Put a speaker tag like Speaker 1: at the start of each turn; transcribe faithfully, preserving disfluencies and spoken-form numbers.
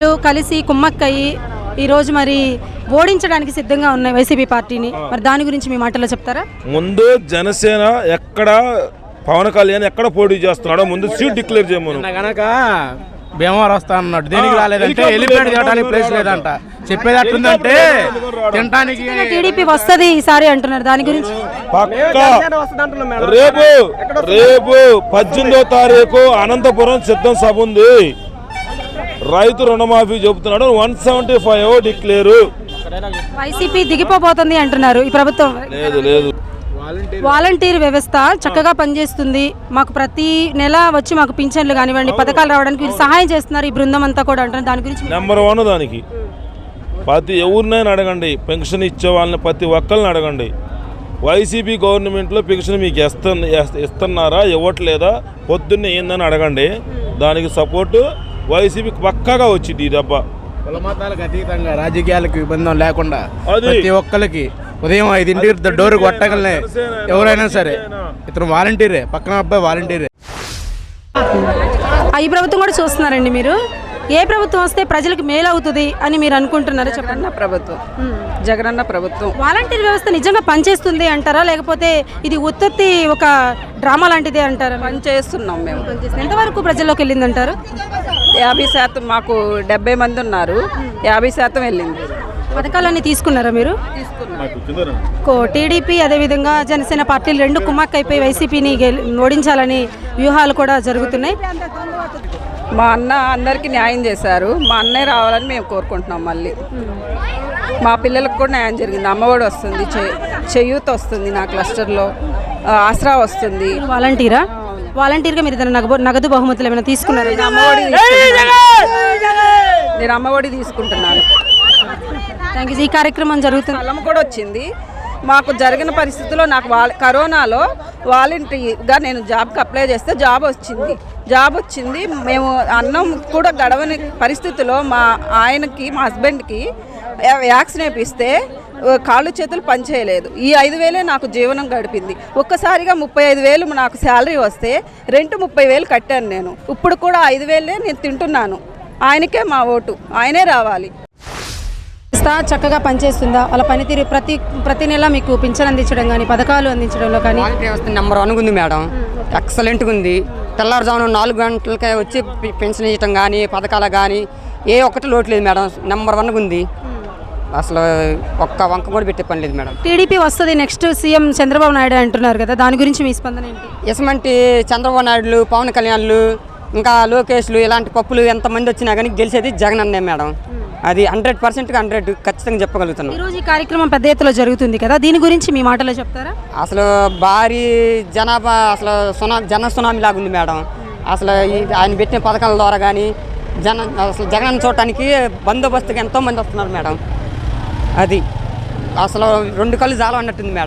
Speaker 1: పార్టీలు కలిసి కుమ్మక్కయ్యి ఈరోజు మరి ఓడించడానికి సిద్ధంగా ఉన్నాయి వైసీపీ పార్టీని. మరి దాని గురించి మీ మాటల్లో చెప్తారా?
Speaker 2: ముందు జనసేన ఎక్కడ పవన్ కళ్యాణ్ ఎక్కడ పోటీ చేస్తున్నాడో ముందు సీట్ డిక్లేర్ చేయమను.
Speaker 3: కనుక భీమవరం వస్తా అన్నాడు, దేనికి రాలేదంటే ఎలిపేట్ చేయడానికి ప్లేస్ లేదంట. చెప్పేది అట్లుందంటే తినడానికి
Speaker 1: టీడీపీ వస్తుంది ఈసారి అంటున్నారు. దాని గురించి
Speaker 2: పక్కా రేపు రేపు పద్దెనిమిదో తారీఖు అనంతపురం సిద్ధం సభ ఉంది. రైతు రుణమాఫీ చెబుతున్నాడు, one seventy five declare.
Speaker 1: YCP దిగిపోబోతుంది అంటున్నారు ఈ ప్రభుత్వం.
Speaker 2: లేదు లేదు
Speaker 1: వాలంటీర్ వ్యవస్థ చక్కగా పనిచేస్తుంది. మాకు ప్రతి నెల వచ్చి మాకు పింఛన్లు కానివ్వండి పథకాలు రావడానికి వీళ్ళు సహాయం చేస్తున్నారు ఈ బృందం అంతా కూడా అంటున్నారు. దాని గురించి
Speaker 2: నెంబర్ వన్ దానికి ప్రతి ఎవరినైనా అడగండి, పెన్షన్ ఇచ్చే వాళ్ళని ప్రతి ఒక్కరిని అడగండి. వైసీపీ గవర్నమెంట్లో పెన్షన్ మీకు ఇస్త ఇస్తున్నారా ఇవ్వట్లేదా పొద్దున్నే ఏందని అడగండి. దానికి సపోర్టు వైసీపీకి పక్కాగా వచ్చింది ఈ దెబ్బ.
Speaker 3: కులమతాలకు అతీతంగా రాజకీయాలకు ఇబ్బంది లేకుండా ప్రతి ఒక్కరికి ఉదయం ఐదింటికి డోర్ కొట్టగలనే ఎవరైనా సరే ఇతను వాలంటీరే, పక్కన అబ్బాయి వాలంటీరే.
Speaker 1: ఈ ప్రభుత్వం కూడా చూస్తున్నారండి మీరు. ఏ ప్రభుత్వం వస్తే ప్రజలకు మేలు అవుతుంది అని మీరు అనుకుంటున్నారా? చెప్పండి.
Speaker 4: ప్రభుత్వం జగనన్న ప్రభుత్వం.
Speaker 1: వాలంటీర్ వ్యవస్థ నిజంగా పనిచేస్తుంది అంటారా, లేకపోతే ఇది ఉత్పత్తి ఒక డ్రామా లాంటిదే అంటారా?
Speaker 4: పని చేస్తున్నాం మేము.
Speaker 1: ఎంతవరకు ప్రజల్లోకి వెళ్ళింది అంటారు?
Speaker 4: యాభై శాతం మాకు డెబ్బై మంది ఉన్నారు, యాభై శాతం వెళ్ళింది.
Speaker 1: పథకాలన్నీ తీసుకున్నారా మీరు? టీడీపీ అదేవిధంగా జనసేన పార్టీలు రెండు కుమ్మక్క అయిపోయి వైసీపీని ఓడించాలని వ్యూహాలు కూడా జరుగుతున్నాయి.
Speaker 4: మా అన్న అందరికీ న్యాయం చేశారు. మా అన్నయ్య రావాలని మేము కోరుకుంటున్నాం. మళ్ళీ మా పిల్లలకు కూడా న్యాయం జరిగింది. అమ్మఒడి వస్తుంది, చేయూత వస్తుంది, నా క్లస్టర్లో ఆసరా వస్తుంది.
Speaker 1: వాలంటీరా? వాలంటీర్గా మీరు ఏదైనా నగదు నగదు బహుమతులు ఏమైనా తీసుకున్నారు?
Speaker 4: నేను అమ్మఒడి నేను అమ్మఒడి తీసుకుంటున్నాను.
Speaker 1: Thank you. ఈ కార్యక్రమం జరుగుతుంది.
Speaker 4: స్థలం కూడా వచ్చింది మాకు. జరిగిన పరిస్థితుల్లో నాకు వా కరోనాలో వాలంటీర్గా నేను జాబ్కి అప్లై చేస్తే జాబ్ వచ్చింది జాబ్ వచ్చింది మేము అన్నం కూడా గడవని పరిస్థితిలో మా ఆయనకి మా హస్బెండ్కి వ్యాక్సిన్ వేపిస్తే కాళ్ళు చేతులు పనిచేయలేదు. ఈ ఐదు వేలే నాకు జీవనం గడిపింది. ఒక్కసారిగా ముప్పై ఐదు వేలు నాకు శాలరీ వస్తే రెంట్ ముప్పై వేలు కట్టాను నేను. ఇప్పుడు కూడా ఐదు వేలే నేను తింటున్నాను. ఆయనకే మా ఓటు, ఆయనే రావాలి.
Speaker 1: చక్కగా పనిచేస్తుందా? వాళ్ళ పనితీరు ప్రతి ప్రతి నెల మీకు పింఛన్ అందించడం కానీ పథకాలు అందించడంలో కానీ
Speaker 5: నెంబర్ వన్ ఉంది మేడం. ఎక్సలెంట్గా ఉంది. తెల్లారుజామున నాలుగు గంటలకే వచ్చి పెన్షన్ ఇవ్వటం కానీ పథకాలు కానీ ఏ ఒక్కటి లోటు లేదు మేడం. నెంబర్ వన్గా ఉంది. అసలు ఒక్క వంక కూడా పెట్టే పని లేదు మేడం.
Speaker 1: టీడీపీ వస్తుంది నెక్స్ట్ సీఎం చంద్రబాబు నాయుడు అంటున్నారు కదా, దాని గురించి మీ స్పందన ఏంటి?
Speaker 5: ఎసమంటి చంద్రబాబు నాయుడులు, పవన్ కళ్యాణ్లు, ఇంకా లోకేష్లు ఇలాంటి పప్పులు ఎంతమంది వచ్చినా కానీ గెలిచేది జగన్ అన్నే మేడం. అది హండ్రెడ్ పర్సెంట్గా హండ్రెడ్ ఖచ్చితంగా చెప్పగలుగుతున్నాం.
Speaker 1: ఈరోజు ఈ కార్యక్రమం పెద్ద ఎత్తులో జరుగుతుంది కదా, దీని గురించి మీ మాటలో చెప్తారా?
Speaker 5: అసలు భారీ జనాభా, అసలు సునా జన సునామీ లాగా ఉంది మేడం. అసలు ఆయన పెట్టిన పథకాల ద్వారా కానీ జన అసలు జగన్ చూడటానికి బందోబస్తుగా ఎంతోమంది వస్తున్నారు మేడం. అది అసలు రెండు కళ్ళు జాలం అన్నట్టుంది మేడం.